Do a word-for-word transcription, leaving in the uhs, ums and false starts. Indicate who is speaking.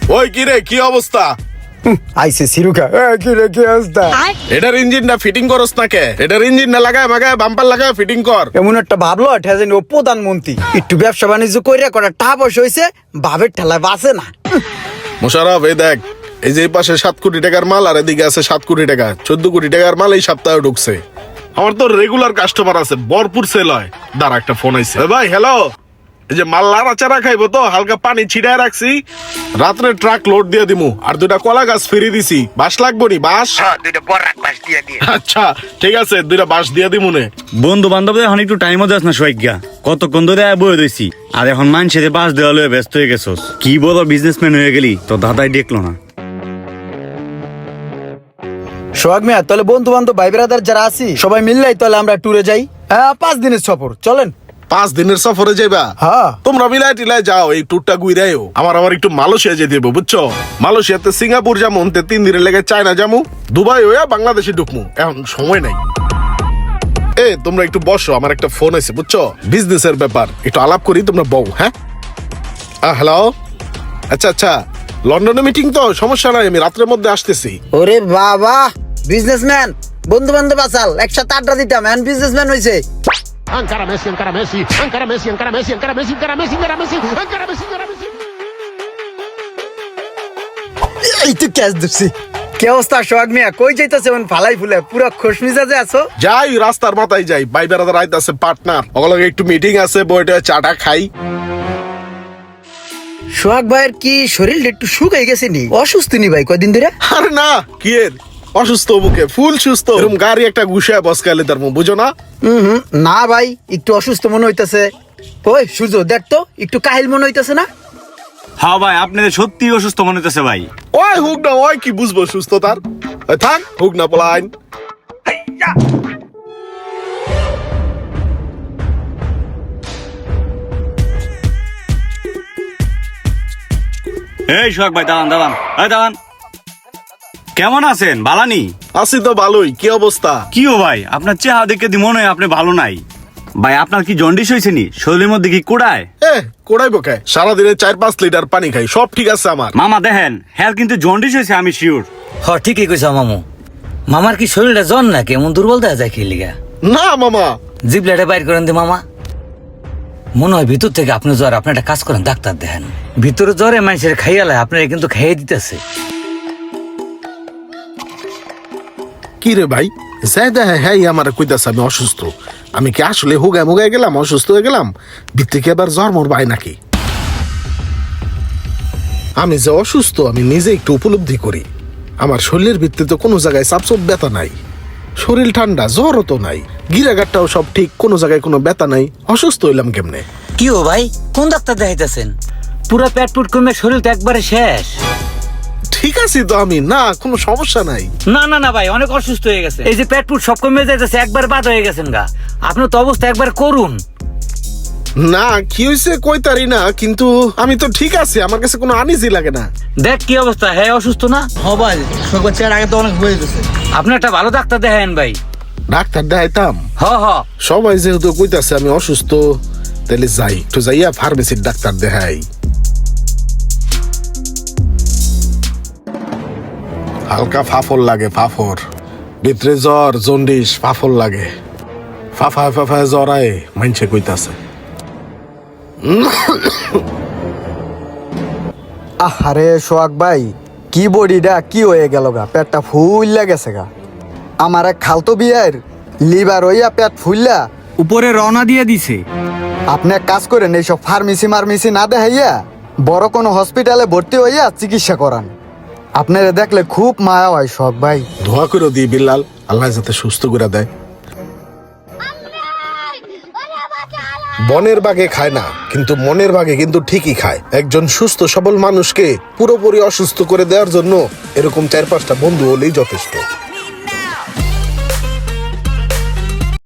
Speaker 1: ওই কি রে, কি অবস্থা?
Speaker 2: আইসে সিরুকা কি রে কি অবস্থা?
Speaker 1: এটার ইঞ্জিনটা ফিটিং করস না কে? এটার ইঞ্জিনটা লাগায় মাগায় বাম্পার লাগায় ফিটিং কর।
Speaker 2: এমন একটা ভাবলো ঠেজেন ও প্রধানমন্ত্রী একটু ব্যবসা বাণিজ্য কইরা করা টাকা পয়সা হইছে, ভাবের ঠেলায় বাঁচে না।
Speaker 1: মোশাররফ এই দেখ, এই যে এই পাশে সাত কোটি টাকার মাল আর এদিকে আছে সাত কোটি টাকা, চোদ্দ কোটি টাকার মাল এই সপ্তাহে ঢুকছে। আমার তো রেগুলার কাস্টমার আছে, ভরপুর সেল হয়। দাঁড়া একটা ফোন আইছে। এ ভাই হ্যালো, এই যে মাল লাড়াচাড়া খাইবো তো হালকা পানি ছিটায় রাখছি, রাত্রে ট্রাক লোড দিয়ে দিমু। আর দুইটা কলা গাছ ফিরিয়ে দিছি, বাঁশ লাগবো নি? বাঁশ আচ্ছা ঠিক আছে, দুইটা বাঁশ দিয়ে দিমু নে।
Speaker 3: বন্ধু বান্ধব এখন একটু টাইমও যাস না সৈজ্ঞা, কতক্ষণ ধরে বয়ে রয়েছি আর এখন মানুষের বাস দেওয়া লয়ে ব্যস্ত হয়ে গেছস। কি বলো বিজনেসম্যান হয়ে গেলি, তো দাদাই দেখলো না।
Speaker 2: সোহাগ মিয়া, তাহলে বন্ধু বান্ধব ভাই ব্রাদার যারা আছি সবাই মিললেই তাহলে আমরা ট্যুরে যাই। হ্যাঁ, পাঁচ দিনের সফর, চলেন।
Speaker 1: পাঁচ দিনের সফরে যাইবা?
Speaker 2: হ্যাঁ।
Speaker 1: তোমরা মিলাই টিলাই যাও, এই ট্যুরটা ঘুরাইও। আমার আবার একটু মালয়েশিয়া যেতে হবে বুঝছো। মালয়েশিয়াতে সিঙ্গাপুর যাবো, তিন দিনের লেগে চায়না যাবো, দুবাই হইয়া বাংলাদেশে ঢুকমু, এখন সময় নাই। এ তোমরা একটু বসো, আমার একটা ফোন আছে বুঝছো, বিজনেসের ব্যাপার, একটু আলাপ করি, তোমরা বউ। হ্যাঁ হ্যালো, আচ্ছা আচ্ছা, লন্ডনে মিটিং তো, সমস্যা নাই, আমি রাত্রের মধ্যে আসতেছি।
Speaker 2: ওরে বাবা, বিজনেসম্যান, বন্ধু বান্ধব আসাল একসাথে আড্ডা দিতাম, এখন বিজনেসম্যান হইছে।
Speaker 4: Ankara Messi, Ankara Messi, Ankara Messi, Ankara Messi, Ankara Messi, Ankara Messi, Ankara Messi, Ankara Messi, Ankara Messi.
Speaker 2: এই তো ক্যাচ দিচ্ছি। কি অবস্থা সোহাগ মিয়া, কই যাইতেছে ফালাই ফুলে, পুরো খুশ মিজাজে আছো?
Speaker 1: যাই রাস্তার মাথায় যাই, ভাই বেড়াদার আইতাছে পার্টনার, ওগুলোকে একটু মিটিং আছে, বইটা চাটা খাই।
Speaker 2: সোহাগ ভাইয়ের কি শরীরটা একটু শুকাই গেছে নি, অসুস্থ নি ভাই কয়দিন ধরে?
Speaker 1: আরে না, কি এর অসুস্থ, মুখে ফুল সুস্থ, এরকম গাড়ি একটা গুছায় বসকালে তার মুখ, বুঝো না?
Speaker 2: হুম হুম, না ভাই একটু অসুস্থ মনে হইতাছে। ওই সূর্য দেখ তো, একটু কাহিল মনে হইতাছে না?
Speaker 3: হ্যাঁ ভাই, আপনাদের সত্যি অসুস্থ মনে হতেছে ভাই।
Speaker 1: ওই হুক না, ওই কি বুঝবো সুস্থতার, ওই থাক হুক না পলাইন।
Speaker 3: এই সোহাগ ভাই, দাঁড়ান দাঁড়ান, এই দাঁড়ান। কেমন আছেন? বালানি
Speaker 1: আছি তো ভালোই, কি অবস্থা?
Speaker 3: কি ও ভাই, আপনার চেহারা দেখে দি মনে হয় আপনি ভালো নাই। ভাই আপনার কি জন্ডিস হয়েছে নি? শরীরের মধ্যে কি কোড়ায়?
Speaker 1: এ কোড়াইবো খায়, সারাদিনে চার পাঁচ লিটার পানি খাই, সব ঠিক আছে আমার।
Speaker 3: মামা দেখেন, হ্যাঁ কিন্তু জন্ডিস হয়েছে, আমি শিওর।
Speaker 5: হ ঠিকই কইছ মামু। মামার কি শরীরটা জন না কেমন দুর্বল দেখা যায় খেলিগা?
Speaker 1: না মামা,
Speaker 5: জিবলাটা বাইর করেন দি মামা। মনে হয় ভিতর থেকে আপনি জ্বর, আপনি একটা কাজ করেন, ডাক্তার দেখেন। ভিতরে জ্বরে মানুষের খাইয়ালে আপনারা কিন্তু খাইয়ে দিতেছে।
Speaker 1: কি রে ভাই, যাই দেখে হ্যাঁ আমার কইতাছে আমি অসুস্থ। আমি কি আসলে হুগায় মুগায় গেলাম, অসুস্থ হয়ে গেলাম? ভিত্তি কি আবার জ্বর মর ভাই নাকি? আমি যে অসুস্থ আমি নিজে একটু উপলব্ধি করি। আমার শরীরের ভিত্তিতে কোনো জায়গায় চাপচপ ব্যথা নাই, শরীর ঠান্ডা, জ্বরও তো নাই, গিরাগারটাও সব ঠিক, কোনো জায়গায় কোনো ব্যথা নাই, অসুস্থ হইলাম কেমনে?
Speaker 5: কি ও ভাই, কোন ডাক্তার দেখাইতেছেন? পুরা পেট পুট কমে শরীর তো একবারে শেষ।
Speaker 1: ঠিক আছে তো আমি, না কোনো সমস্যা নাই।
Speaker 5: না না না ভাই, অনেক অসুস্থ হয়ে গেছে। এই যে পেট পুট সব কমে যাইতেছে, একবার বাদ হয়ে গেছেন গা। আপনার তো অবস্থা একবার করুন।
Speaker 1: না কি হয়েছে কইতারি না, কিন্তু আমি তো ঠিক আছে, আমার কাছে কোনো আনিজি লাগে না।
Speaker 5: দেখ কি অবস্থা, হ্যাঁ অসুস্থ না?
Speaker 2: হ ভাই, চেয়ার আগে তো অনেক হয়ে গেছে।
Speaker 5: আপনি একটা ভালো ডাক্তার দেখায়েন ভাই।
Speaker 1: ডাক্তার দেখাইতাম?
Speaker 5: হ হ,
Speaker 1: সবাই যেহেতু কইতাছে আমি অসুস্থ, তাহলে যাই একটু যাইয়া ফার্মেসির ডাক্তার দেখাই। হালকা ফাফর লাগে, ফাফর ভিতরে জ্বর, জন্ডিস, ফাফর লাগে, ফাফায় ফাফায় জ্বর আয়, মাইনছে কইতাছে।
Speaker 2: আরে সোহাগ ভাই, কি বডিটা কি হয়ে গেল গা, পেটটা ফুললা গেছে গা। আমার এক খালতো বিয়ের লিভার হইয়া পেট ফুললা
Speaker 3: উপরে রওনা দিয়ে দিছে।
Speaker 2: আপনি এক কাজ করেন, এইসব ফার্মেসি মার্মেসি না দেখাইয়া বড় কোনো হসপিটালে ভর্তি হইয়া চিকিৎসা করান। আপনারা দেখলে খুব মায়া হয় সোহাগ ভাই।
Speaker 1: ধোয়া করে দিই বিল্লাল, আল্লাহ যাতে সুস্থ করে দেয়। বনের বাঘে খায় না, কিন্তু মনের বাঘে কিন্তু ঠিকই খায়। একজন সুস্থ সবল মানুষকে পুরোপুরি অসুস্থ করে দেওয়ার জন্য এরকম চার পাঁচটা বন্ধু হলেই যথেষ্ট।